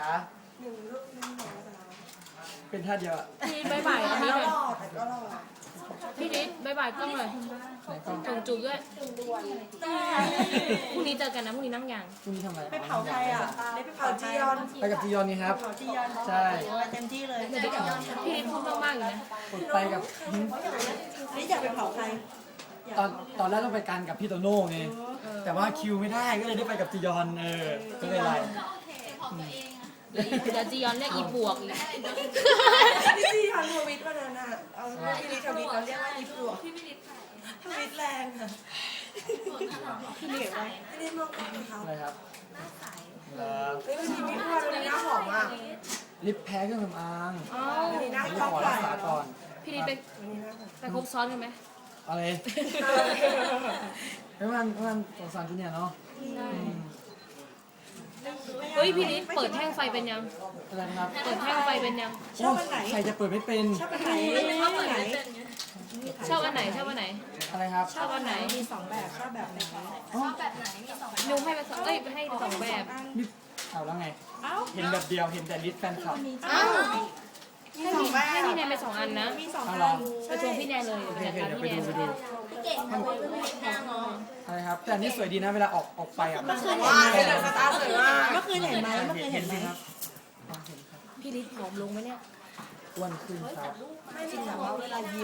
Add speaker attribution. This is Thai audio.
Speaker 1: 1 รูป1 หมอจ๋า
Speaker 2: เป็นท่าเดียวอะ
Speaker 3: พี่บายบายอันนี้
Speaker 1: แล้ว
Speaker 3: หน่อย
Speaker 1: หล่อแต่ก็หล่อ
Speaker 3: พี่นิดบายบายกล้องหน่อย
Speaker 2: ไหนกล้อง
Speaker 3: จงจูบด้วยพรุ่งนี้เจอกันนะพรุ่งนี้นั่งยาง
Speaker 2: พรุ่งนี้ทำอะไร
Speaker 1: ไปเผาใครอ่ะได้ไปเผาจียอน
Speaker 2: ไปกับจียอนนี่ครับ
Speaker 1: เผาจียอน
Speaker 2: ใช่
Speaker 1: ไปเต็มที่เลย
Speaker 3: พี่นิดพูดมากๆอยู่นะ
Speaker 2: ไปกับ
Speaker 1: นี่อยากไปเผาใคร
Speaker 2: ตอนแรกต้องไปกันกับพี่โตโน่ไงแต่ว่าคิวไม่ได้ก็เลยได้ไปกับจียอนก็เลยไล่
Speaker 3: เดี๋ยวจียอนเรียกอีบวกอีก
Speaker 1: พี่จียอนทวิตวันนั้นอ่ะเอาพี่ลิทวิตเราเรียกว่าอีปลวกทวิตแรงอ่ะพี่ลิทไว้พี่ลิทมองกับเขา
Speaker 2: อะไรครับเหรอ
Speaker 1: เฮ้ยวันนี้พี่พรวันนี้หน้าหอมอ่ะ
Speaker 2: ลิปแพ้เครื่องสำอาง
Speaker 3: อ้า
Speaker 1: วันนี้หน้า
Speaker 2: ลิป
Speaker 1: กล้อง
Speaker 2: ขอ
Speaker 1: ไหล
Speaker 2: รักษาก่อน
Speaker 3: พี่นิดไป
Speaker 1: วันนี้หน้าหอม
Speaker 3: ไปครบซ้อนกันไหม
Speaker 2: อะไรไม่มันสงสารที่เนี่ยเนาะ
Speaker 3: เฮ้ยพี่นิดเปิดแท่งไฟเป็นยัง
Speaker 2: อะไรนะครับ
Speaker 3: เปิดแท่งไฟเป็นยัง
Speaker 1: ชอบอันไหน
Speaker 2: ใครจะเปิดไม่เป็น
Speaker 1: ชอบอันไหนชอบอันไหน
Speaker 3: ชอบอันไหนชอบอันไหน
Speaker 2: อะไรครับ
Speaker 3: ชอบอันไหน
Speaker 1: มี2 แบบชอบแบบไหน
Speaker 2: อ๋อ
Speaker 3: นิวให้ไปสองเอ้ยให้สองแบบ
Speaker 2: นี่เอาแล้วไง
Speaker 1: เอ้า
Speaker 2: เห็นแบบเดียวเห็นแต่ลิปแฟนคลับ
Speaker 3: อ้าว
Speaker 1: มี2 แบบ
Speaker 3: ให้พี่แนนไป2 อันนะ
Speaker 1: มี2
Speaker 2: เอา
Speaker 1: อัน
Speaker 2: เหรอ
Speaker 3: ไปชวนพี่แนนเลย
Speaker 2: โอเค
Speaker 3: เดี๋ยว
Speaker 2: โอเค
Speaker 3: จัด
Speaker 2: เดี๋ยว
Speaker 3: การ
Speaker 2: ไป
Speaker 3: พี่แน
Speaker 2: ดู
Speaker 3: น
Speaker 2: ไปดูอะไรครับ แต่อันนี่สวยดีนะเวลาออกไปอ่ะ
Speaker 1: เมื่อคืนเห็นไหมสตาร์สวยมากเมื่อคืนเห็นไหมเมื่อคืนเห็นไหม
Speaker 2: สิครับเห็นครับ
Speaker 3: พี่นิดผอมลงไหมเนี่ย
Speaker 2: อ้วนขึ้นครับ
Speaker 1: ไม่จริงแต่ว่าเวลายิ้ม